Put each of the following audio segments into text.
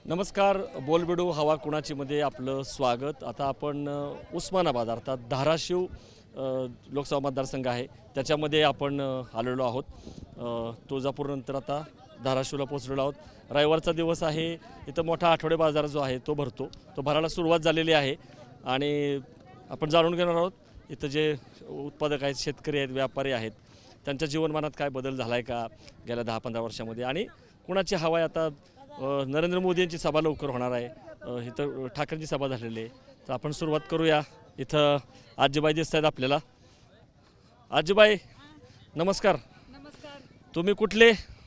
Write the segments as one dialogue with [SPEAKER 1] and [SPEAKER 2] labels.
[SPEAKER 1] नमस्कार. बोलबेडू हवा कुणाची मध्ये आपलं स्वागत. आता आपण उस्मानाबाद अर्थात धाराशिव लोकसभा मतदारसंघ आहे त्याच्यामध्ये आपण आलेलो आहोत. तुळजापूरनंतर आता धाराशिवला पोहोचलेलो आहोत. रविवारचा दिवस आहे. इथं मोठा आठवडे बाजार जो आहे तो भरतो. तो भरायला सुरुवात झालेली आहे आणि आपण जाणून घेणार आहोत इथं जे उत्पादक आहेत, शेतकरी आहेत, व्यापारी आहेत, त्यांच्या जीवनमानात काय बदल झाला आहे का गेल्या 10-15 वर्षामध्ये आणि कुणाची हवा आहे. आता नरेंद्र मोदी यांची सभा लवकर होणार आहे. इथं ठाकरेंची सभा झालेली आहे. तर आपण सुरुवात करूया. इथं आजीबाई दिसत आहेत आपल्याला. आजीबाई नमस्कार.
[SPEAKER 2] नमस्कार.
[SPEAKER 1] तुम्ही कुठले?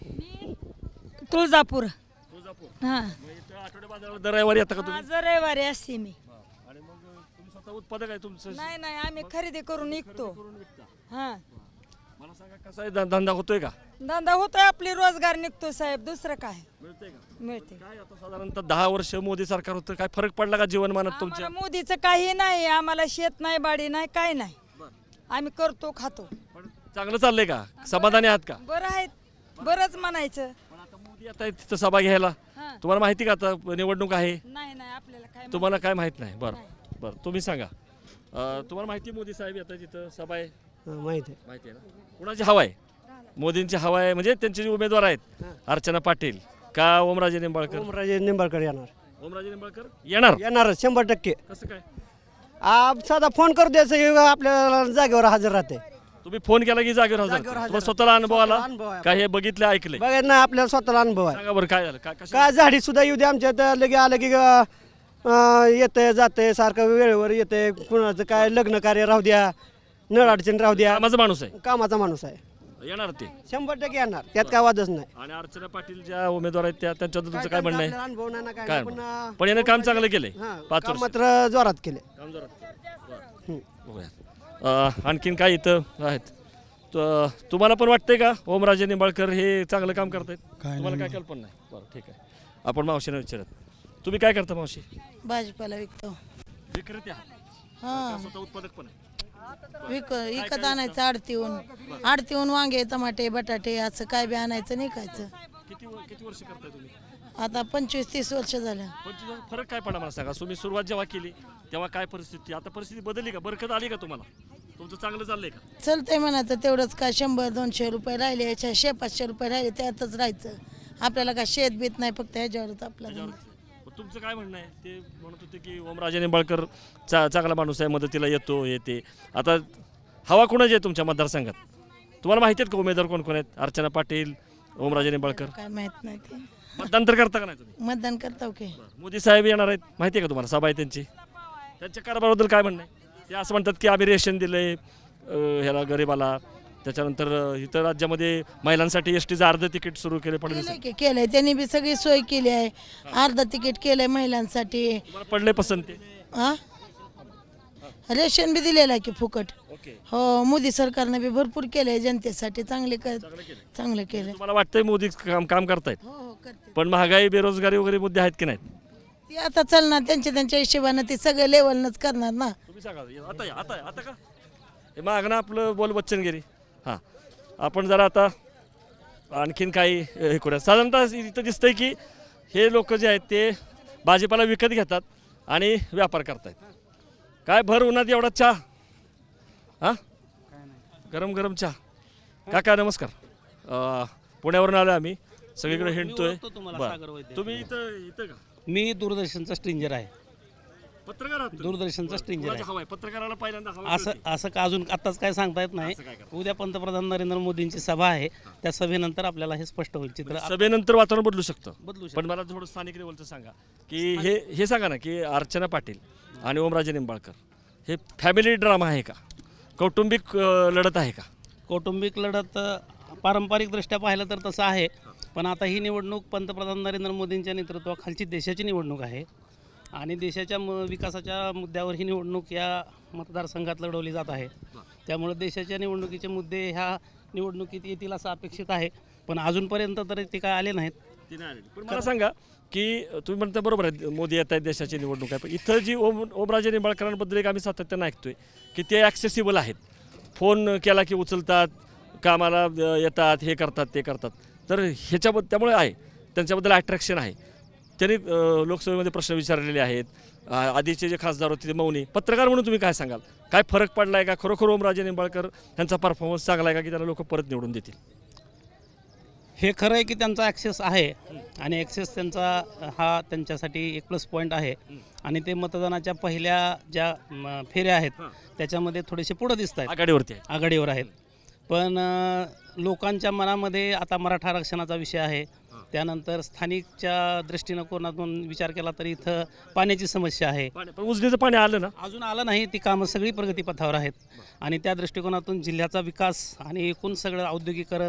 [SPEAKER 2] तुळजापूर.
[SPEAKER 1] तुळजापूर.
[SPEAKER 2] हां,
[SPEAKER 1] इथं आठवडे बाजारावर दर रविवारी येता का तुम्ही?
[SPEAKER 2] आज रविवारी असते मी.
[SPEAKER 1] आणि मग तुम्ही स्वतः उत्पादक आहे तुमचं?
[SPEAKER 2] नाही नाही, आम्ही खरेदी करून विकतो.
[SPEAKER 1] करून विकता.
[SPEAKER 2] हां,
[SPEAKER 1] मला सांगा कसा आहे धंदा होतोय का?
[SPEAKER 2] धंदा होतोय, आपली रोजगार निघतो साहेब, दुसरं काय
[SPEAKER 1] मिळतंय का?
[SPEAKER 2] मिळते.
[SPEAKER 1] काय आता साधारणतः 10 वर्ष मोदी सरकार होतं, काय फरक पडला का जीवनमानात तुमच्या?
[SPEAKER 2] आम्हाला मोदीचं काही नाही, आम्हाला शेत नाही, बाडी नाही, काय नाही. आम्ही करतो, खातो.
[SPEAKER 1] पण चांगलं चाललंय का? समाधानी आहात का?
[SPEAKER 2] बरं आहेत, बरंच म्हणायचं.
[SPEAKER 1] पण आता मोदी आता तिथं सभा घ्यायला
[SPEAKER 2] हां,
[SPEAKER 1] तुम्हाला माहिती का आता निवडणूक आहे?
[SPEAKER 2] नाही नाही, आपल्याला काय
[SPEAKER 1] तुम्हाला काय माहित नाही? बरं
[SPEAKER 2] नाही.
[SPEAKER 1] बरं, तुम्ही सांगा. तुम्हाला माहिती आहे मोदी साहेब येतात तिथं सभा आहे?
[SPEAKER 3] माहिती आहे.
[SPEAKER 1] माहिती आहे ना? कुणाची हवा आहे? मोदींची हवा आहे. म्हणजे त्यांचे जे उमेदवार आहेत अर्चना पाटील का ओमराजे निंबाळकर?
[SPEAKER 3] ओमराजे निंबाळकर येणार
[SPEAKER 1] ओमराजे निंबाळकर येणार.
[SPEAKER 3] येणार 100%.
[SPEAKER 1] कसं काय?
[SPEAKER 3] साधा फोन करू द्यायचं, आपल्याला जागेवर हजर राहते.
[SPEAKER 1] तुम्ही फोन केला की जागेवर हजर?
[SPEAKER 3] जागेवर हजर.
[SPEAKER 1] तुम्हाला स्वतःला अनुभव आला?
[SPEAKER 3] स्वतःला अनुभव आहे.
[SPEAKER 1] काय हे बघितले ऐकले?
[SPEAKER 3] बघा ना, आपल्याला स्वतःला अनुभव आहे.
[SPEAKER 1] सांगा बरं काय झालं? काय कसं?
[SPEAKER 3] काय झाडी सुद्धा येऊ दे आमच्या तर लगे आलं की येतंय जातंय, सारखं वेळेवर येतंय. कुणाचं काय लग्न कार्य राहू द्या, नळ अडचण राहू द्या,
[SPEAKER 1] कामाचा माणूस आहे.
[SPEAKER 3] कामाचा माणूस आहे.
[SPEAKER 1] येणार ते.
[SPEAKER 3] 100% येणार, त्यात काय वादच नाही.
[SPEAKER 1] आणि अर्चना पाटील ज्या उमेदवार आहेत त्यांच्याबद्दल तुमचं काय म्हणणं आहे?
[SPEAKER 3] आपल्याला अनुभव नाही ना काय
[SPEAKER 1] काय
[SPEAKER 3] नाही,
[SPEAKER 1] पण यानं काम चांगलं केलंय.
[SPEAKER 3] हां,
[SPEAKER 1] 5
[SPEAKER 3] काम
[SPEAKER 1] वर्ष
[SPEAKER 3] मात्र जोरात केले.
[SPEAKER 1] काम जोरात केलंय.
[SPEAKER 3] हं.
[SPEAKER 1] बघूया. आणखीन काय इथं आहेत? तुम्हाला पण वाटतंय का ओमराजे निंबाळकर हे चांगलं काम करतायत? तुम्हाला काय कल्पना नाही? बरं ठीक आहे. आपण मावशीने विचारत. तुम्ही काय करता मावशी?
[SPEAKER 4] भाजीपाला विकतो.
[SPEAKER 1] विक्रेते आहात?
[SPEAKER 4] हां,
[SPEAKER 1] स्वतः उत्पादक पण आहे.
[SPEAKER 4] विकत आणायचं आडतीहून वांगे, टमाटे, बटाटे असं काय बी आणायचं निकायचं.
[SPEAKER 1] किती वर्ष करताय तुम्ही?
[SPEAKER 4] आता 25-30 वर्ष झालं.
[SPEAKER 1] पण तुझा फरक काय पडला मला सांगा. तुम्ही सुरुवात जेव्हा केली तेव्हा काय परिस्थिती, आता परिस्थिती बदलली का? बरकत आली का तुम्हाला? तुमचं चांगलं चाललंय का?
[SPEAKER 4] चलतंय म्हणायचं, तेवढंच काय 100-200 रुपये राहिले, 600-500 रुपये राहिले, त्यातच राहायचं. आपल्याला काय शेत बीत नाही, फक्त ह्याच्यावरच आपला धंदा.
[SPEAKER 1] तुमचं काय म्हणणं आहे? ते म्हणत होते की ओमराजे निंबाळकर चांगला माणूस आहे, मदतीला येतो येते. आता हवा कोणाची आहे तुमच्या मतदारसंघात? तुम्हाला माहिती आहेत का उमेदवार कोण कोण आहेत? अर्चना पाटील, ओमराजे निंबाळकर.
[SPEAKER 4] काय माहित नाही ते.
[SPEAKER 1] मतदान तर करता का नाही तुम्ही?
[SPEAKER 4] मतदान करताव की.
[SPEAKER 1] मोदी साहेब येणार आहेत, माहिती आहे का तुम्हाला? सभा आहे त्यांची. त्यांच्या कारभाराबद्दल काय म्हणणं आहे? ते असं म्हणतात की आम्ही रेशन दिलंय ह्याला गरिबाला. त्याच्यानंतर इतर राज्यामध्ये महिलांसाठी एसटीचं अर्ध तिकीट सुरू केले फडणवीस.
[SPEAKER 4] केलंय त्यांनी बी सगळी सोय केली आहे. अर्ध तिकीट केलंय महिलांसाठी.
[SPEAKER 1] तुम्हाला पडले पसंत ते?
[SPEAKER 4] हा, रेशन बी दिलेलं आहे की फुकट.
[SPEAKER 1] ओके.
[SPEAKER 4] हो, मोदी सरकारने बी भरपूर केलंय जनतेसाठी, चांगलं केलं.
[SPEAKER 1] तुम्हाला वाटतंय मोदी काम करतायत?
[SPEAKER 4] हो हो, करते.
[SPEAKER 1] पण महागाई, बेरोजगारी वगैरे मुद्दे आहेत की नाहीत?
[SPEAKER 4] ती आता चालणार त्यांच्या हिशोबानं, ते सगळं लेवलनंच करणार ना.
[SPEAKER 1] तुम्ही सांगा. आता का हे मागणं आपलं बोल बच्चनगिरी. हां, आपण जरा आता आणखीन काही हे करूया. साधारणतः इथं दिसतंय की हे लोक जे आहेत ते भाजीपाला विकत घेतात आणि व्यापार करतायत. काय भर उन्हात एवढा चहा? हां, गरम गरम चहा. काका नमस्कार. पुण्यावरून आलो आम्ही, सगळीकडे हिंडतोय. बरं, तुम्ही इथं का?
[SPEAKER 5] मी दूरदर्शनचा स्ट्रिंजर आहे.
[SPEAKER 1] पत्रकार आहात तुम्ही?
[SPEAKER 5] दूरदर्शनचा स्ट्रिंजर आहे.
[SPEAKER 1] हवाय पत्रकाराला पहिल्यांदा हवा
[SPEAKER 5] असं असं का अजून आत्ताच काय सांगता येत नाही.
[SPEAKER 1] असं काय करता?
[SPEAKER 5] उद्या पंतप्रधान नरेंद्र मोदींची सभा आहे, त्या सभेनंतर आपल्याला हे स्पष्ट होईल चित्र.
[SPEAKER 1] सभेनंतर वातावरण बदलू शकतं.
[SPEAKER 5] बदलू शकतं.
[SPEAKER 1] पण मला थोडं स्थानिक लेवलचं सांगा की हे सांगा ना की अर्चना पाटील आणि ओमराजे निंबाळकर हे फॅमिली ड्रामा आहे का? कौटुंबिक लढत आहे का?
[SPEAKER 5] कौटुंबिक लढत पारंपरिकदृष्ट्या पाहिलं तर तसं आहे, पण आता ही निवडणूक पंतप्रधान नरेंद्र मोदींच्या नेतृत्वाखालची देशाची निवडणूक आहे आणि देशाच्या विकासाच्या मुद्द्यावर ही निवडणूक या मतदारसंघात लढवली जात आहे. त्यामुळे देशाच्या निवडणुकीचे मुद्दे ह्या निवडणुकीत येतील असं अपेक्षित आहे, पण अजूनपर्यंत तरी ते काय आले नाहीत.
[SPEAKER 1] पण मला सांगा की तुम्ही म्हणता बरोबर आहे, मोदी येत आहेत, देशाची निवडणूक आहे, पण इथं जी ओमराजे निंबाळकरांबद्दल एक आम्ही सातत्यानं ऐकतोय की ते ॲक्सेसिबल आहेत. फोन केला की उचलतात, कामाला येतात, हे करतात ते करतात. तर ह्याच्याबद्दल त्यामुळे आहे त्यांच्याबद्दल अट्रॅक्शन आहे. त्यांनी लोकसभेमध्ये प्रश्न विचारलेले आहेत. आधीचे जे खासदार होते ते मौनी. पत्रकार म्हणून तुम्ही काय सांगाल? काय फरक पडला आहे का? खरोखर ओमराजे निंबाळकर यांचा परफॉर्मन्स चांगला आहे का की त्यांना लोक परत निवडून देतील?
[SPEAKER 5] हे खरं आहे की त्यांचा ॲक्सेस आहे आणि ॲक्सेस त्यांचा हा त्यांच्यासाठी एक प्लस पॉईंट आहे आणि ते मतदानाच्या पहिल्या ज्या फेऱ्या आहेत त्याच्यामध्ये थोडेसे पुढं दिसत आहेत,
[SPEAKER 1] आघाडीवरती आहे.
[SPEAKER 5] आघाडीवर आहेत. पण लोकांच्या मनामध्ये आता मराठा आरक्षणाचा विषय आहे. त्यानंतर स्थानिकच्या दृष्टिकोनातून विचार केला तर इथं पाण्याची समस्या आहे.
[SPEAKER 1] पण उजनीचं पाणी आलं ना?
[SPEAKER 5] अजून आलं नाही. ती कामं सगळी प्रगतीपथावर आहेत आणि त्या दृष्टिकोनातून जिल्ह्याचा विकास आणि एकूण सगळं औद्योगिकरण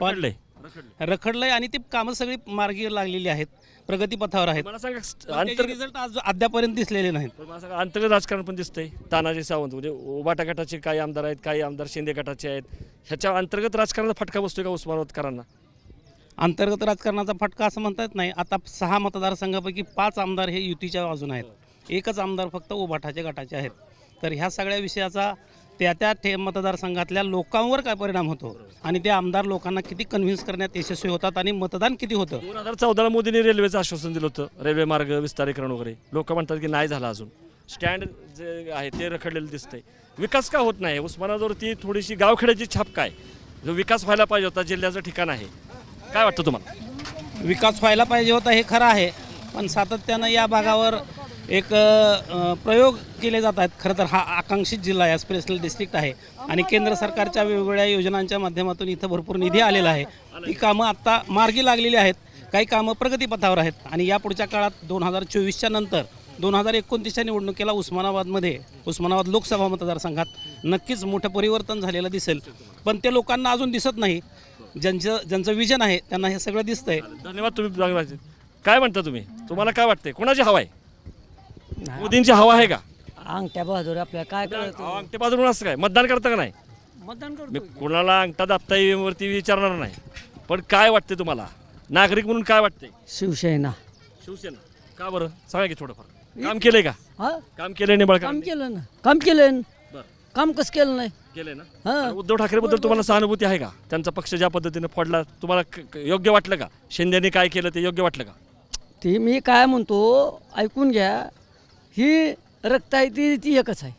[SPEAKER 5] रखडलंय आणि ती कामं सगळी मार्गी लागलेली आहेत, प्रगतीपथावर आहेत.
[SPEAKER 1] मला सांगा
[SPEAKER 5] त्याचे रिझल्ट अद्यापर्यंत दिसलेले नाहीत.
[SPEAKER 1] मला सांगा अंतर्गत राजकारण पण दिसतंय. तानाजी सावंत म्हणजे उबाटा गटाचे काही आमदार आहेत, काही आमदार शिंदे गटाचे आहेत. ह्याच्या अंतर्गत राजकारणाचा फटका बसतोय का उस्मानाबादकरांना?
[SPEAKER 5] अंतर्गत राजकारणाचा फटका असं म्हणता येत नाही. आता 6 मतदारसंघापैकी 5 आमदार हे युतीच्या बाजूने आहेत, एकच आमदार फक्त उबाठाच्या गटाचे आहेत. तर ह्या सगळ्या विषयाचा त्या मतदारसंघातल्या लोकांवर काय परिणाम होतो आणि ते आमदार लोकांना किती कन्व्हिन्स करण्यात यशस्वी होतात आणि मतदान किती होतं.
[SPEAKER 1] 2014 मोदींनी रेल्वेचं आश्वासन दिलं होतं, रेल्वे मार्ग विस्तारीकरण वगैरे. लोक म्हणतात की नाही झालं अजून. स्टँड जे आहे ते रखडलेलं दिसतंय. विकास का होत नाही? उस्मानाबादवरती थोडीशी गावखेड्याची छाप काय? जो विकास व्हायला पाहिजे होता, जिल्ह्याचं ठिकाण आहे, काय वाटतं तुम्हाला?
[SPEAKER 5] विकास व्हायला पाहिजे होता हे खरं आहे, पण सातत्यानं या भागावर एक प्रयोग केले जात आहेत. खरं तर हा आकांक्षित जिल्हा आहे, स्पेशल डिस्ट्रिक्ट आहे आणि केंद्र सरकारच्या वेगवेगळ्या योजनांच्या माध्यमातून इथं भरपूर निधी आलेला आहे. ही कामं आत्ता मार्गी लागलेली आहेत, काही कामं प्रगतीपथावर आहेत आणि या पुढच्या काळात 2024च्या नंतर 2029च्या निवडणुकीला उस्मानाबाद लोकसभा मतदारसंघात नक्कीच मोठं परिवर्तन झालेलं दिसेल. पण ते लोकांना अजून दिसत नाही. ज्यांचं विजन आहे त्यांना हे सगळं दिसतंय.
[SPEAKER 1] धन्यवाद. तुम्ही काय म्हणता? तुम्हाला काय वाटतंय? कोणाची हवा आहे? मोदींची हवा आहे का?
[SPEAKER 6] अंगठ्या बहादूर आपल्याला काय कळत?
[SPEAKER 1] अंगठे बाजून असं काय मतदान करता का नाही?
[SPEAKER 6] मतदान
[SPEAKER 1] मी कुणाला अंगठा दाबता वरती विचारणार नाही, पण काय वाटते तुम्हाला नागरिक म्हणून? काय वाटते?
[SPEAKER 6] शिवसेना.
[SPEAKER 1] शिवसेना का बरं? सांगा की थोडंफार. काम केलंय का?
[SPEAKER 6] हा,
[SPEAKER 1] काम केलंय निंबाळकर?
[SPEAKER 6] काम केलं ना. काम केलं.
[SPEAKER 1] बरं.
[SPEAKER 6] काम कसं केलं नाही?
[SPEAKER 1] केलंय ना.
[SPEAKER 6] हा.
[SPEAKER 1] आणि उद्धव ठाकरे बद्दल तुम्हाला सहानुभूती आहे का? त्यांचा पक्ष ज्या पद्धतीने फोडला तुम्हाला योग्य वाटलं का? शिंदेने काय केलं ते योग्य वाटलं का?
[SPEAKER 6] ते मी काय म्हणतो ऐकून घ्या. ही रक्त आहे ती एकच आहे,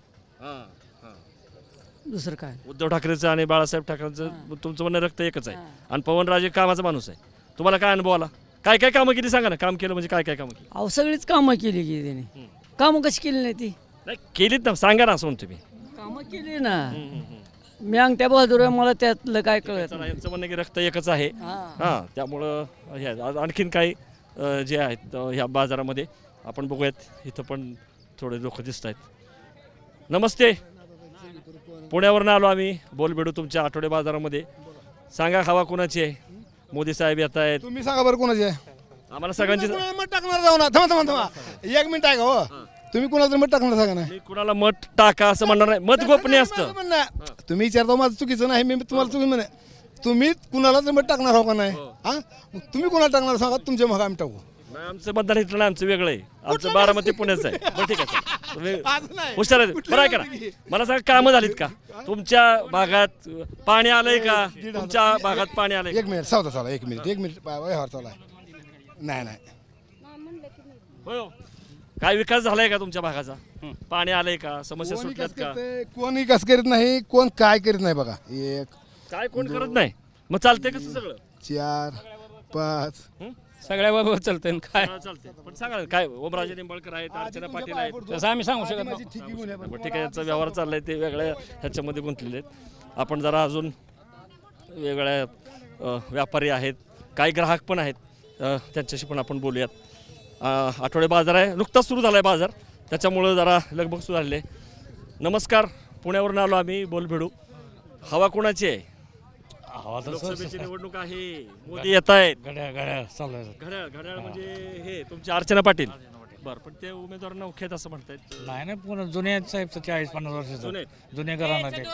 [SPEAKER 6] दुसरं काय.
[SPEAKER 1] उद्धव ठाकरेचं आणि बाळासाहेब ठाकरेंचं तुमचं म्हणणं रक्त एकच आहे आणि पवनराजे कामाचा माणूस आहे. तुम्हाला काय अनुभव आला? काय काय कामं केली सांगा ना. काम केलं म्हणजे काय काय कामं केली?
[SPEAKER 6] अहो सगळीच कामं केली की त्याने. कामं कशी केली नाही ती?
[SPEAKER 1] नाही केलीत ना, सांगा ना असं म्हणतो मी.
[SPEAKER 6] कामं केली ना. मी अंगठ्या बहादूर आहे, मला त्यातलं काय कळत
[SPEAKER 1] चला, यांचं म्हणणं की रक्त एकच आहे. हां, त्यामुळं आणखीन काही जे आहेत ह्या बाजारामध्ये आपण बघूयात. इथं पण थोडे लोक दिसत आहेत. नमस्ते. पुण्यावरून आलो आम्ही. बोलबेडू तुमच्या आठवडे बाजारामध्ये. सांगा हवा कोणाची आहे? मोदी साहेब येत आहेत.
[SPEAKER 7] तुम्ही सांगा बरं कोणाची आहे?
[SPEAKER 1] आम्हाला सगळ्यांची.
[SPEAKER 7] मत टाकणार जाऊ ना. थांबा 1 मिनिट आहे का? हो, तुम्ही कुणाचं मत टाकणार सांगा ना.
[SPEAKER 1] मी कुणाला मत टाका असं म्हणणार नाही. मत गोपनीय असतं.
[SPEAKER 7] तुम्ही विचारता माझं चुकीचं नाही. मी तुम्हाला चुकी म्हणे. तुम्ही कुणालाच मत टाकणार हो का नाही? हा, तुम्ही कुणाला टाकणार सांगा. तुमच्या मग आम्ही टाकू.
[SPEAKER 1] आमचं मतदान इथलं नाही, आमचं वेगळं आहे. आमचं बारामती पुण्याचं आहे. बरं ठीक आहे. तुम्ही हुशार आहे. बरं आहे का? मला सांगा कामं झालीत का तुमच्या भागात? पाणी आलंय का तुमच्या भागात? पाणी आलंय?
[SPEAKER 7] 1 मिनिट सावधा चाला. 1 मिनिट व्यवहार चालू आहे. नाही
[SPEAKER 1] हो. काय विकास झालाय का तुमच्या भागाचा? पाणी आलंय का? समस्या
[SPEAKER 7] कोणी
[SPEAKER 1] सुटल्यात
[SPEAKER 7] कस
[SPEAKER 1] का?
[SPEAKER 7] करतंय, कोणी कस करीत नाही, कोण काय करीत नाही बघा. 1
[SPEAKER 1] काय कोण करत नाही? मग चालतंय कसं सगळं?
[SPEAKER 7] 4 5
[SPEAKER 5] सगळ्या बाबा चालतंय काय
[SPEAKER 1] चालतंय. पण सांगा काय. ओमराजे निंबाळकर आहेत, अर्चना पाटील आहेत.
[SPEAKER 5] तसं आम्ही सांगू शकत
[SPEAKER 7] माझी ठिकी गुन्हे आहे.
[SPEAKER 1] बरं ठीक आहे. याचा व्यवहार चाललाय ते वेगळ्या ह्याच्यामध्ये गुंतलेले आहेत. आपण जरा अजून वेगळ्या व्यापारी आहेत, काही ग्राहक पण आहेत, त्यांच्याशी पण आपण बोलूयात. आठवडे बाजार आहे, नुकताच सुरू झाला आहे बाजार, त्याच्यामुळं जरा लगबग सुरू झाले. नमस्कार. पुण्यावरून आलो आम्ही. बोलबेडू. हवा कोणाची आहे? लोकसभेची निवडणूक आहे. मोदी येत आहेत. घड्याळ म्हणजे हे तुमचे अर्चना पाटील. बरं, पण ते उमेदवार नौख्यात असं म्हणतायत.
[SPEAKER 8] नाही पुन्हा जुने साहेब 40-50 वर्षाचं जुने घराणं ते.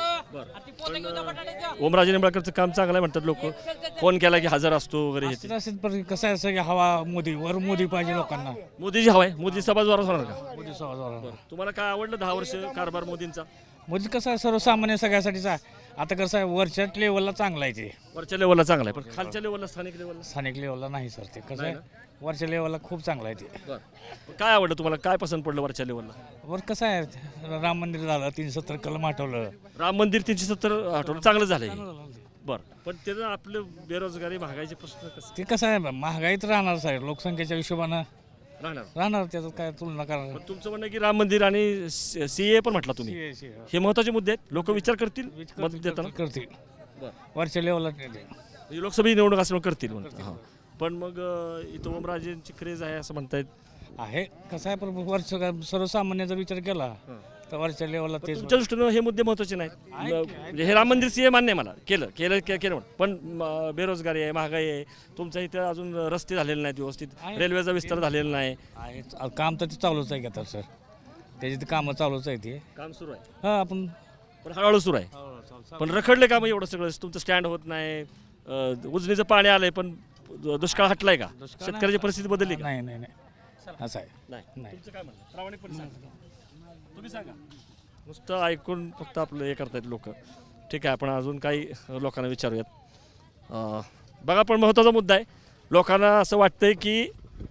[SPEAKER 1] ओमराजे निंबाळकरचं काम चांगलं आहे म्हणतात लोक. फोन केला की हजर असतो वगैरे. हे
[SPEAKER 8] असेल पण कसं आहे सगळी हवा मोदी पाहिजे लोकांना.
[SPEAKER 1] मोदीची हवा आहे. मोदी सभा जोरात होणार का?
[SPEAKER 8] मोदी
[SPEAKER 1] तुम्हाला काय आवडलं 10 वर्ष कारभार मोदींचा?
[SPEAKER 8] मोदी कसं आहे सर्वसामान्य सगळ्यासाठीचा आता कसं आहे वरच्या लेवलला चांगलं आहे ते,
[SPEAKER 1] वरच्या लेवलला चांगलं आहे, पण खालच्या लेवलला स्थानिक लेवलला
[SPEAKER 8] स्थानिक लेवलला नाही सर. ते कसं आहे वरच्या लेवलला खूप चांगलं आहे ते.
[SPEAKER 1] बरं. काय आवडलं तुम्हाला, काय पसंत पडलं वरच्या लेवलला?
[SPEAKER 8] वर कसं आहे राम मंदिर झालं, 370 कलम हटवलं.
[SPEAKER 1] राम मंदिर 370 आठवलं चांगलं झालंय. बरं, पण त्याचं आपलं बेरोजगारी महागाईचे प्रश्न कसं
[SPEAKER 8] ते कसं आहे महागाईत राहणार साहेब, लोकसंख्येच्या हिशोबानं
[SPEAKER 1] राहणार?
[SPEAKER 8] राहणार, त्याचं काय तुलना करणार.
[SPEAKER 1] पण तुमचं म्हणणं आहे की राम मंदिर आणि सीए पण म्हटलं तुम्ही, हे महत्त्वाचे मुद्दे आहेत, लोक विचार करतील मत देताना.
[SPEAKER 8] करतील
[SPEAKER 1] बरं.
[SPEAKER 8] वरच्या लेवलला ते.
[SPEAKER 1] म्हणजे लोकसभा निवडणूक असल्यामुळे करतील म्हणतात. हां. पण मग इथं ओमराजेंची क्रेज आहे असं म्हणतायत.
[SPEAKER 8] आहे कसं आहे, पण वरच सर्वसामान्याचा विचार केला तर वरच्या लेवलला तेच.
[SPEAKER 1] तुमच्या दृष्टीनं हे मुद्दे महत्त्वाचे नाहीत. म्हणजे हे राम मंदिर सीए मान्य आहे मला, केलं पण बेरोजगारी आहे, महागाई आहे, तुमच्या इथं अजून रस्ते झालेले नाहीत व्यवस्थित, रेल्वेचा विस्तार झालेला नाही.
[SPEAKER 8] आहे काम तर ते चालूच आहे की आता सर, त्याची तर कामं चालूच आहे ते.
[SPEAKER 1] काम सुरू आहे
[SPEAKER 8] हां आपण
[SPEAKER 1] पण हळूहळू सुरू आहे. पण रखडले का मग एवढं सगळं, तुमचं स्टँड होत नाही, उजनीचं पाणी आलंय पण दुष्काळ हटलाय का, शेतकऱ्याची परिस्थिती बदलली का?
[SPEAKER 8] नाही नाही नाही असं आहे.
[SPEAKER 1] नाही. तुमचं काय म्हणणं, प्रामाणिकपणे सांगा. तुम्ही सांगा. नुसतं ऐकून फक्त आपलं हे करतायत लोक. ठीक आहे, आपण अजून काही लोकांना विचारूयात. बघा, पण महत्त्वाचा मुद्दा आहे, लोकांना असं वाटतंय की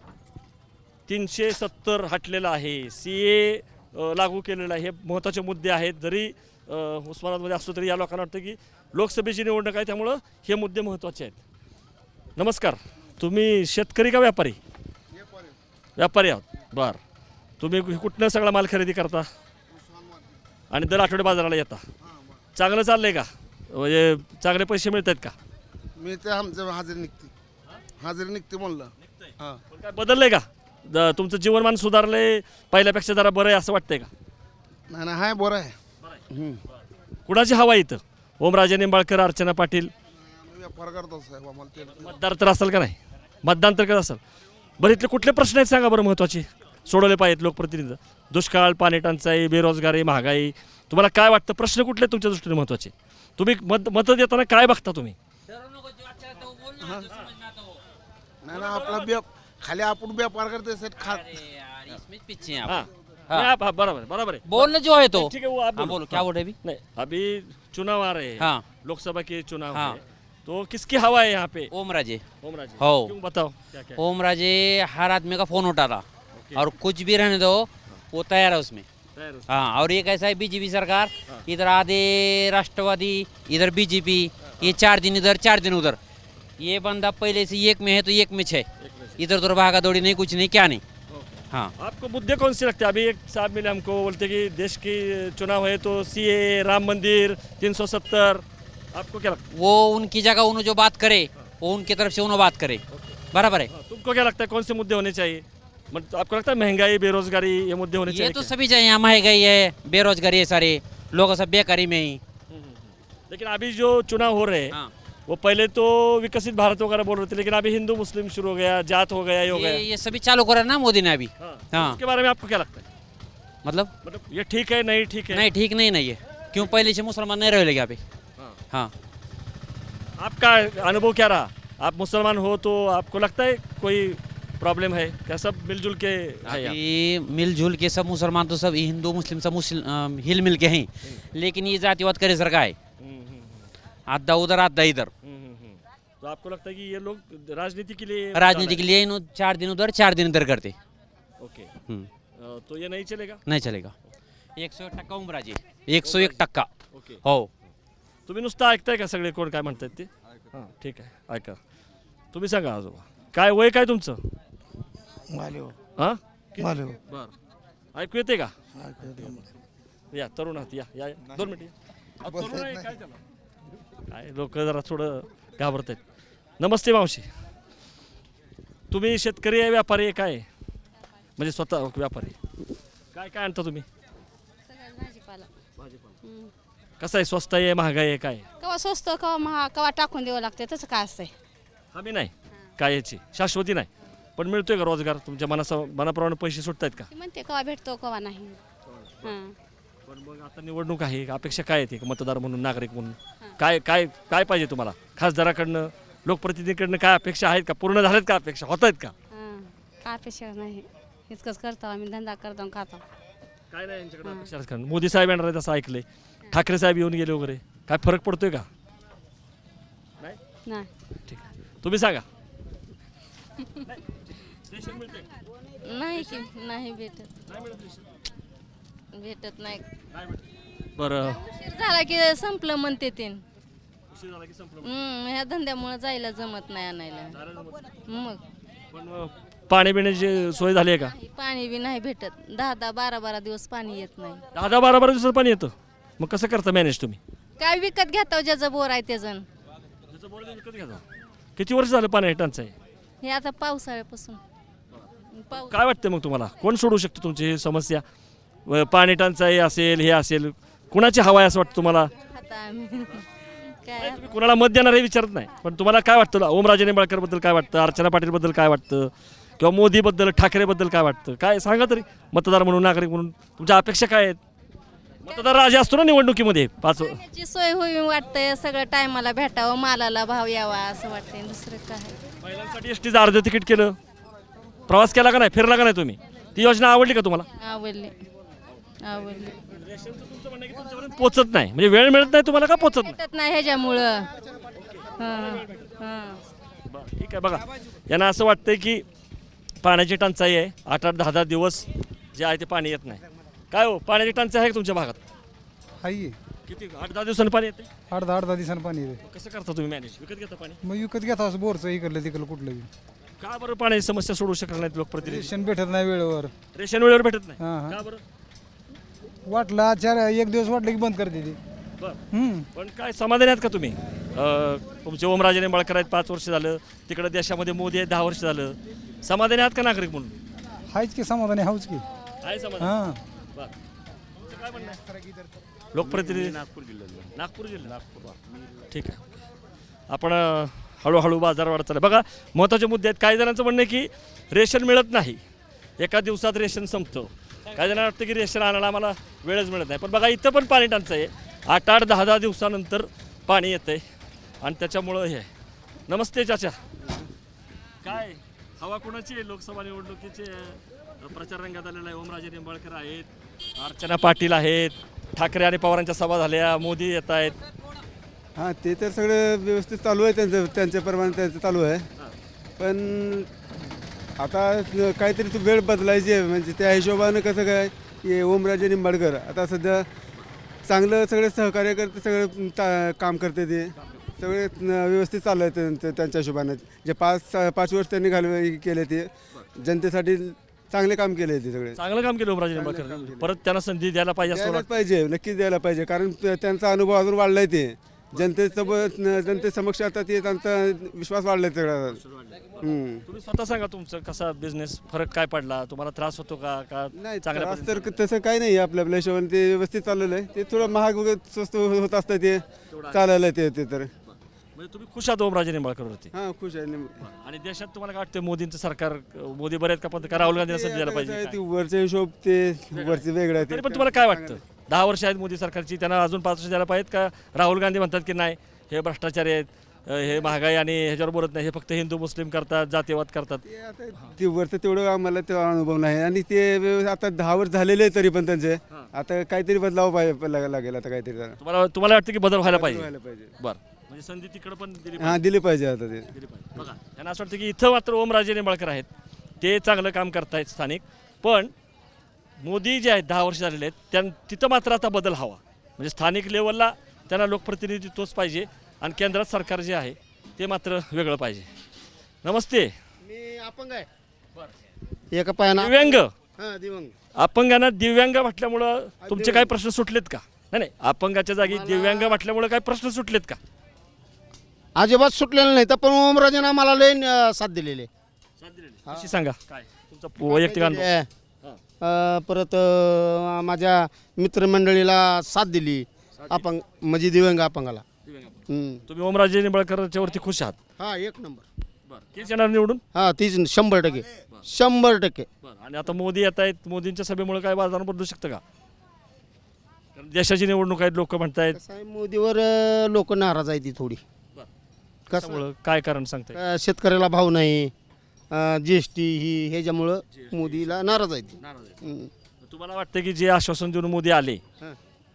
[SPEAKER 1] 370 हटलेलं आहे, सीए लागू केलेलं आहे, हे महत्त्वाचे मुद्दे आहेत. जरी उस्मानाबादमध्ये असलो तरी या लोकांना वाटतं की लोकसभेची निवडणूक आहे त्यामुळं हे मुद्दे महत्त्वाचे आहेत. नमस्कार, तुम्ही शेतकरी का व्यापारी? व्यापारी आहोत. बरं, तुम्ही कुठनं सगळा माल खरेदी करता आणि दर आठवडे बाजाराला येता? चांगलं चाललंय का, म्हणजे चांगले पैसे मिळत आहेत का?
[SPEAKER 7] मी ते आमचं हजेरी निघते म्हणलं. हां,
[SPEAKER 1] पण काय बदललंय का, तुमचं जीवनमान सुधारलंय, पहिल्यापेक्षा जरा बरं आहे असं वाटतंय का?
[SPEAKER 7] नाही हाय बरं आहे.
[SPEAKER 1] कुणाची हवा इथं? ओमराजे निंबाळकर, अर्चना पाटील?
[SPEAKER 7] व्यापार करतो साहेब, आम्हाला ते
[SPEAKER 1] मतदार तर असेल का नाही, मतदान तर करत असेल. बरं, इथले कुठले प्रश्न आहेत सांगा बरं महत्त्वाचे, सोडवले पाहिजेत लोकप्रतिनिधी? दुष्काळ, पाणी टंचाई, बेरोजगारी, महागाई, तुम्हाला काय वाटतं प्रश्न कुठले तुमच्या दृष्टीने महत्त्वाचे? तुम्ही मतं देताना काय बघता तुम्ही?
[SPEAKER 7] नाही आपला खाली आपण व्यापार करतो सर
[SPEAKER 9] पीछे हैं
[SPEAKER 1] हाँ,
[SPEAKER 9] आप।
[SPEAKER 1] हाँ, बराबर है।
[SPEAKER 9] बोलना जो है तो
[SPEAKER 1] ठीक है, वो आप
[SPEAKER 9] हाँ, बोलो क्या बोल रहे अभी?
[SPEAKER 1] नहीं, अभी चुनाव आ रहे हैं,
[SPEAKER 9] हाँ।
[SPEAKER 1] लोकसभा के चुनाव
[SPEAKER 9] हाँ।
[SPEAKER 1] है, तो किसकी हवा है यहाँ पे?
[SPEAKER 9] ओमराजे
[SPEAKER 1] ओमराजे।
[SPEAKER 9] हो।
[SPEAKER 1] क्यों, बताओ क्या क्या है?
[SPEAKER 9] ओमराजे हर आदमी का फोन उठा रहा और कुछ भी रहने दो वो तैयार है उसमें।
[SPEAKER 1] तैयार हो?
[SPEAKER 9] हाँ, और ये कैसा है बीजेपी सरकार, इधर आधे राष्ट्रवादी, इधर बीजेपी, ये 4 दिन इधर 4 दिन उधर। ये बंदा पहले से एक में है तो एक में है, इधर उधर भागा दौड़ी नहीं, कुछ नहीं, क्या नहीं। हाँ,
[SPEAKER 1] आपको मुद्दे कौन से लगते हैं? अभी एक साहब मिले हमको, बोलते कि देश की चुनाव है तो सीए, राम मंदिर, 370, आपको क्या लगता
[SPEAKER 9] वो उनकी जगह उन्होंने जो बात करे वो उनकी तरफ से उन्होंने बात करे, बराबर है।
[SPEAKER 1] है? तुमको क्या लगता है कौन से मुद्दे होने चाहिए? मतलब आपको लगता है महंगाई, बेरोजगारी, ये मुद्दे होने
[SPEAKER 9] ये
[SPEAKER 1] चाहिए
[SPEAKER 9] तो
[SPEAKER 1] क्या?
[SPEAKER 9] सभी चाहिए, यहाँ महंगाई है, बेरोजगारी है, सारे लोग सब बेकारी में ही।
[SPEAKER 1] लेकिन अभी जो चुनाव हो रहे हैं,
[SPEAKER 9] हाँ,
[SPEAKER 1] वो पहले तो विकसित भारत वगैरह बोल रहे थे, लेकिन अभी हिंदू मुस्लिम शुरू हो गया, जात हो गया, ये हो गया।
[SPEAKER 9] ये सभी चालू करा ना मोदी ने अभी।
[SPEAKER 1] हाँ,
[SPEAKER 9] हाँ।
[SPEAKER 1] इसके बारे में आपको क्या लगता है? मतलब ये ठीक है, नहीं ठीक है?
[SPEAKER 9] नहीं, ठीक नहीं है। क्यों पहले से मुसलमान नहीं रहे यहाँ पे।
[SPEAKER 1] हाँ।
[SPEAKER 9] हाँ,
[SPEAKER 1] आपका अनुभव क्या रहा? आप मुसलमान हो तो आपको लगता है कोई प्रॉब्लम है क्या? सब मिलजुल के है यहाँ?
[SPEAKER 9] अभी मिलजुल के सब मुसलमान तो सब हिंदू मुस्लिम सब हिल मिल के हैं, लेकिन ये जातिवाद करे सरकार है, आधा उधर आधा इधर।
[SPEAKER 1] तो आपको लगता है कि ये लोग राजनीति के लिए
[SPEAKER 9] राजनीति के लिए 4 दिन उधर 4 दिन इधर करते।
[SPEAKER 1] ओके, तो ये नहीं चलेगा?
[SPEAKER 9] नहीं चलेगा। 101% उमराजे, 101%।
[SPEAKER 1] ओके,
[SPEAKER 9] हो,
[SPEAKER 1] तुम्ही नुसतं ऐकताय का सगळे कोण काय म्हणतात ते? हां, ठीक आहे, ऐका. तुम्ही सांगा आजोबा, काय वय काय तुमचं? हां, बरं, ऐकू येते का? या तरुण आहात, या 2 मिनिट या. तरुण आहे, काय त्याला? काय लोक जरा थोडं घाबरत आहेत. नमस्ते मावशी, तुम्ही शेतकरी आहे, व्यापारी आहे, काय आहे? म्हणजे स्वतः व्यापारी. काय काय आणता तुम्ही?
[SPEAKER 10] भाजीपाला.
[SPEAKER 1] कसं आहे, स्वस्त आहे, महागाई आहे, काय?
[SPEAKER 10] कवा स्वस्त कवा महाग कवा टाकून द्यावं लागते, तसं काय असतंय?
[SPEAKER 1] हमी नाही काय याची, शाश्वती नाही, पण मिळतोय का रोजगार? तुमच्या मनाप्रमाणे पैसे सुटत आहेत का?
[SPEAKER 10] ती म्हणते कवा भेटतो कवा नाही. हां,
[SPEAKER 1] पण मग आता निवडणूक आहे, अपेक्षा काय येते मतदार म्हणून, नागरिक म्हणून? काय काय काय पाहिजे तुम्हाला? खासदाराकडनं, लोकप्रतिनिधीकडनं काय अपेक्षा आहेत का? पूर्ण झाल्यात का अपेक्षा? होत आहेत का?
[SPEAKER 10] हां, काय अपेक्षा नाही, इतकंच करतो आम्ही, धंदा करतो आणि खातो.
[SPEAKER 1] काय नाही यांच्याकडे अपेक्षा. मोदी साहेब येणार आहेत असं ऐकलंय, ठाकरे साहेब येऊन गेले वगैरे. काय फरक पडतोय का?
[SPEAKER 10] नाही
[SPEAKER 1] ठीक आहे, तुम्ही सांगा.
[SPEAKER 10] नाही की नाही भेटत भेटत नाही.
[SPEAKER 1] बरं,
[SPEAKER 10] उशीर झाला की संपलं म्हणते ते. ह्या धंद्यामुळे जायला जमत नाही आणायला. मग
[SPEAKER 1] पण पाणी पिण्याची सोय झाली आहे का?
[SPEAKER 10] पाणी बी नाही भेटत. 10-12 दिवस पाणी येत नाही.
[SPEAKER 1] 10-12 दिवसात पाणी येतं, मग कसं करता मॅनेज तुम्ही?
[SPEAKER 10] काय विकत घेता ज्याचं बोर आहे त्याचं.
[SPEAKER 1] किती वर्ष झालं पाणी टंचाई?
[SPEAKER 10] हे आता पावसाळ्यापासून. पाऊस
[SPEAKER 1] काय वाटतं मग तुम्हाला, कोण सोडू शकतो तुमची ही समस्या? पाणी टंचाई असेल, हे असेल, कुणाची हवा आहे असं वाटतं तुम्हाला?
[SPEAKER 10] आता आम्ही काय
[SPEAKER 1] तुम्ही कुणाला मत देणार हे विचारत नाही, पण तुम्हाला काय वाटतं? ओमराजे निंबाळकरबद्दल काय वाटतं? अर्चना पाटीलबद्दल काय वाटतं? किंवा मोदीबद्दल, ठाकरेबद्दल काय वाटतं? काय सांगा तरी, मतदार म्हणून, नागरिक म्हणून तुमच्या अपेक्षा काय आहेत? मतदार राजा असतो ना निवडणुकीमध्ये 5.
[SPEAKER 10] ची सोय होईल वाटतंय. सगळं टायमाला भेटावं, मालाला भाव यावा असं वाटतंय. दुसरं काय.
[SPEAKER 1] महिलांसाठी एसटीचं अर्ध तिकीट केलं, प्रवास केला का नाही, फिरला का नाही तुम्ही? ती योजना आवडली का तुम्हाला?
[SPEAKER 10] आवडले आवडले.
[SPEAKER 1] पोचत नाही म्हणजे वेळ मिळत नाही तुम्हाला का पोचत नाही?
[SPEAKER 10] भेटत नाही ह्याच्यामुळं. हां हां.
[SPEAKER 1] बरं, ठीक आहे. बघा, यांना असं वाटतंय की पाण्याची टंचाई आहे, 8-10 दिवस जे आहे ते पाणी येत नाही. काय हो, पाण्याची टंचाई आहे का तुमच्या भागात?
[SPEAKER 8] आहे
[SPEAKER 1] किती 8-10 दिवसांनी पाणी येते?
[SPEAKER 8] 8-10 दिवसानं पाणी येते.
[SPEAKER 1] कसं करता तुम्ही मॅनेज? विकत घेता पाणी?
[SPEAKER 8] मग विकत घेता असं बोरचं इकडलं तिकडलं कुठलं बी.
[SPEAKER 1] का बरं पाण्याची समस्या सोडू शकत नाहीत लोकप्रतिनिधी?
[SPEAKER 8] रेशन भेटत नाही वेळेवर.
[SPEAKER 1] रेशन वेळेवर भेटत नाही
[SPEAKER 8] हां, हां.
[SPEAKER 1] का बरं?
[SPEAKER 8] वाटलं एक दिवस वाटलं की बंद करते ती.
[SPEAKER 1] बरं, पण काय समाधानी आहात का तुम्ही? तुमचे ओमराजे निंबाळकर आहेत, 5 वर्ष झालं. तिकडे देशामध्ये मोदी आहे, 10 वर्ष झालं. समाधानी आहात का नागरिक म्हणून?
[SPEAKER 8] हायच की समाधानी, हाऊच की.
[SPEAKER 1] आहे समाधान.
[SPEAKER 8] हां.
[SPEAKER 1] बरं. तुमचं काय म्हणणं आहे? लोकप्रतिनिधी नागपूर जिल्हा. ठीक आहे. आपण हळूहळू बाजारवाढ चालू बघा. महत्त्वाचे मुद्दे आहेत. काही जणांचं म्हणणं आहे की रेशन मिळत नाही, एका दिवसात रेशन संपतं. काही जणांना वाटतं की रेशन आणायला आम्हाला वेळच मिळत नाही. पण बघा, इथं पण पाणी टंचाई आहे. 8-10 दिवसानंतर पाणी येतं आहे आणि त्याच्यामुळं हे आहे. नमस्ते चाचा, काय हवा कोणाची आहे? लोकसभा निवडणुकीचे प्रचार रंगात आलेला आहे. ओमराजे निंबाळकर आहेत, अर्चना पाटील आहेत, ठाकरे आणि पवारांच्या सभा झाल्या, मोदी येत आहेत.
[SPEAKER 11] हां, ते तर सगळं व्यवस्थित चालू आहे, त्यांच्याप्रमाणे त्यांचं चालू आहे. पण आता काहीतरी तू वेळ बदलायची आहे, म्हणजे त्या हिशोबानं कसं काय हे ओमराजे निंबाळकर आता सध्या चांगलं सगळे सहकार्य करते, सगळं काम करते, ते सगळे व्यवस्थित चालू आहे त्यांच्या हिशोबानं. जे 5 वर्ष त्यांनी केले ते जनतेसाठी चांगले काम केले, ते सगळे
[SPEAKER 1] चांगलं काम केलं ओमराजे निंबाळकर. परत त्यांना संधी द्यायला पाहिजे असं
[SPEAKER 11] द्यायलाच पाहिजे, नक्कीच द्यायला पाहिजे. कारण त्यांचा अनुभव अजून वाढलाय, ते जनतेसमक्ष आता ते त्यांचा विश्वास वाढलाय सगळा.
[SPEAKER 1] तुम्ही स्वतः सांगा, तुमचं कसा बिझनेस, फरक काय पडला तुम्हाला? त्रास होतो का
[SPEAKER 11] नाही,
[SPEAKER 1] चांगल्या
[SPEAKER 11] त्रास तर तसं काही नाही आपल्या हिशोबाने ते व्यवस्थित चाललेलं आहे. ते थोडं महाग वगैरे स्वस्त होत असतं, ते चाललेलं आहे ते तर.
[SPEAKER 1] म्हणजे तुम्ही खुश आहात ओमराजे निंबाळकरवरती?
[SPEAKER 11] हां, खुश आहे.
[SPEAKER 1] आणि देशात तुम्हाला काय वाटतं, मोदींचं सरकार, मोदी बरे आहेत का? पण राहुल गांधीला संधी द्यायला पाहिजे
[SPEAKER 11] ते वरचे हिशोब, ते वरचे वेगळं आहे.
[SPEAKER 1] तरी पण तुम्हाला काय वाटतं? 10 वर्ष आहेत मोदी सरकारची, त्यांना अजून 5 वर्ष द्यायला पाहिजेत का? राहुल गांधी म्हणतात की नाही, हे भ्रष्टाचारी आहेत, हे महागाई आणि ह्याच्यावर बोलत नाही, हे फक्त हिंदू मुस्लिम करतात, जातीवाद करतात.
[SPEAKER 11] ते वरचं तेवढं आम्हाला ते अनुभव नाही. आणि ते आता 10 वर्ष झालेले आहे, तरी पण त्यांचे आता काहीतरी बदलाव लागेल आता काहीतरी.
[SPEAKER 1] तुम्हाला वाटतं की बदल व्हायला पाहिजे?
[SPEAKER 11] पाहिजे.
[SPEAKER 1] बरं, म्हणजे संधी तिकडे पण दिली
[SPEAKER 11] हां, दिली पाहिजे आता ते.
[SPEAKER 1] बघा, त्यांना असं वाटतं की इथं मात्र ओमराजे निंबाळकर आहेत, ते चांगलं काम करतायत स्थानिक. पण मोदी जे आहेत 10 वर्ष झालेले आहेत, तिथं मात्र आता बदल हवा. म्हणजे स्थानिक लेवलला त्यांना लोकप्रतिनिधी तोच पाहिजे आणि केंद्रात सरकार जे आहे ते मात्र वेगळं पाहिजे. नमस्ते.
[SPEAKER 12] मी अपंग आहे. एका पायानं
[SPEAKER 1] दिव्यांग.
[SPEAKER 12] हां, दिव्यांग.
[SPEAKER 1] अपंगांना दिव्यांग म्हटल्यामुळं तुमचे काही प्रश्न सुटलेत का? नाही, अपंगाच्या जागी दिव्यांग म्हटल्यामुळे काही प्रश्न सुटलेत का?
[SPEAKER 12] अजिबात सुटलेलं नाही, तर पण ओमराजेनं आम्हाला लय साथ दिलेली आहे.
[SPEAKER 1] अशी सांगा काय तुमचा वैयक्तिक अनुभव?
[SPEAKER 12] परत माझ्या मित्रमंडळीला साथ दिली, अपंग म्हणजे दिव्यांग अपंगाला.
[SPEAKER 1] तुम्ही ओमराजे निंबाळकरच्या वरती खुश आहात?
[SPEAKER 12] हां, 1 नंबर.
[SPEAKER 1] बरं, तेच येणार निवडून?
[SPEAKER 12] हां, तीच 100%. 100%.
[SPEAKER 1] बरं, आणि आता मोदी येत आहेत, मोदींच्या सभेमुळे काय वातावरण बदलू शकतं का? कारण देशाची निवडणूक आहेत, लोक म्हणतायत.
[SPEAKER 12] कसं आहे, मोदीवर लोक नाराज आहे ती थोडी.
[SPEAKER 1] कसं, काय कारण सांगताय?
[SPEAKER 12] शेतकऱ्याला भाव नाही, GST ही ह्याच्यामुळं मोदीला नाराज आहे ती.
[SPEAKER 1] तुम्हाला वाटतं की जे आश्वासन देऊन मोदी आले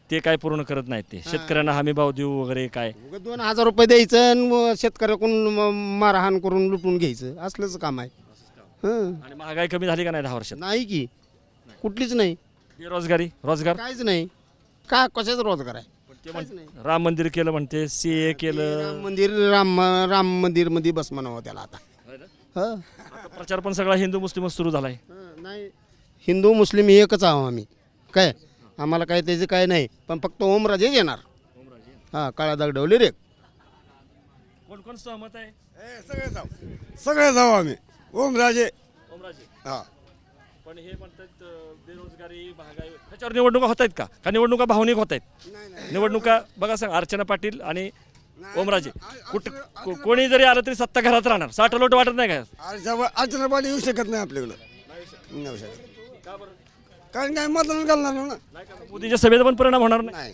[SPEAKER 1] ते काय पूर्ण करत नाहीत. ते शेतकऱ्यांना हमी भाव देऊ वगैरे काय
[SPEAKER 12] 2000 रुपये द्यायचं आणि शेतकऱ्याकडून मारहाण करून लुटून घ्यायचं असलंच काम आहे. हं.
[SPEAKER 1] आणि महागाई कमी झाली का नाही 10 वर्षात?
[SPEAKER 12] नाही की कुठलीच नाही,
[SPEAKER 1] बेरोजगारी रोजगार
[SPEAKER 12] काहीच नाही. का कशाच रोजगार आहे?
[SPEAKER 1] ते राम मंदिर केलं म्हणते, CA केलं.
[SPEAKER 12] राम मंदिर मध्ये बस म्हणावं त्याला आता. हं.
[SPEAKER 1] आता प्रचार पण सगळा हिंदू मुस्लिमच सुरू झालाय.
[SPEAKER 12] नाही, हिंदू मुस्लिम एकच आहो आम्ही. काय आम्हाला काय त्याचं काय नाही, पण फक्त ओमराजेच येणार. हां, काळा दगडवली रे.
[SPEAKER 1] कोण कोण सहमत आहे?
[SPEAKER 11] सगळे जाऊ आम्ही ओमराजे.
[SPEAKER 1] ओमराजे.
[SPEAKER 11] हा.
[SPEAKER 1] पण हे म्हणतात बेरोजगारी महागाई ह्याच्यावर निवडणुका होत आहेत का निवडणुका भावनिक होत आहेत? निवडणुका बघा सांग, अर्चना पाटील आणि ओमराजे कोणी जरी आलं तरी सत्ता घरात राहणार. 60 लोट वाटत नाही का?
[SPEAKER 11] अर्चना पाटील येऊ शकत नाही आपल्याकडं. नाही शकत. कारण काय मतदान घालणार ना.
[SPEAKER 1] मोदींच्या सभेचा पण परिणाम होणार नाही.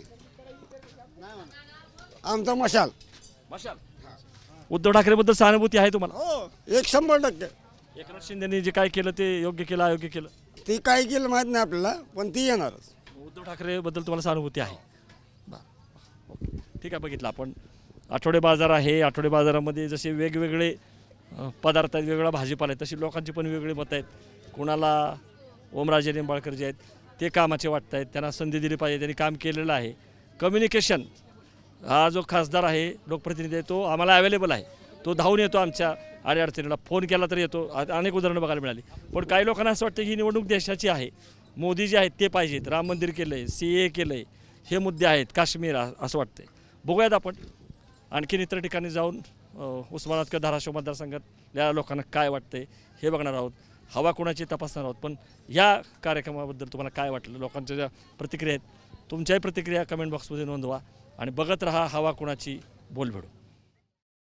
[SPEAKER 11] आमचा मशाल.
[SPEAKER 1] उद्धव ठाकरेबद्दल सहानुभूती आहे तुम्हाला?
[SPEAKER 11] हो, 100%.
[SPEAKER 1] एकनाथ शिंदेनी जे काय केलं ते योग्य केलं अयोग्य केलं
[SPEAKER 11] ती काय केलं माहित नाही आपल्याला, पण ती येणारच.
[SPEAKER 1] उद्धव ठाकरेबद्दल तुम्हाला सहानुभूती आहे? ओके, ठीक आहे. बघितलं आपण आठवडे बाजार आहे. आठवडे बाजारामध्ये जसे वेगवेगळे पदार्थ आहेत, वेगवेगळा भाजीपाला आहे, तशी लोकांची पण वेगळी मतं आहेत. कुणाला ओमराजे निंबाळकर जे आहेत ते कामाचे वाटत आहेत, त्यांना संधी दिली पाहिजे, त्यांनी काम केलेलं आहे. कम्युनिकेशन हा जो खासदार आहे, लोकप्रतिनिधी आहे, तो आम्हाला अवेलेबल आहे. तो धावून येतो आमच्या अडचणीला, फोन केला तर येतो. अनेक उदाहरणं बघायला मिळाली. पण काही लोकांना असं वाटतं की ही निवडणूक देशाची आहे, मोदी जे आहेत ते पाहिजेत, राम मंदिर केलं आहे, CA केलं आहे, हे मुद्दे आहेत, काश्मीर असं वाटतंय. बघूयात आपण आणखीन इतर ठिकाणी जाऊन उस्मानाबाद किंवा धाराशिव मतदारसंघातल्या लोकांना काय वाटतंय हे बघणार आहोत. हवा कोणाची तपासणार आहोत. पण या कार्यक्रमाबद्दल तुम्हाला काय वाटलं, लोकांच्या ज्या प्रतिक्रिया आहेत, तुमच्याही प्रतिक्रिया कमेंट बॉक्समध्ये नोंदवा आणि बघत रहा हवा कोणाची बोलभेडू.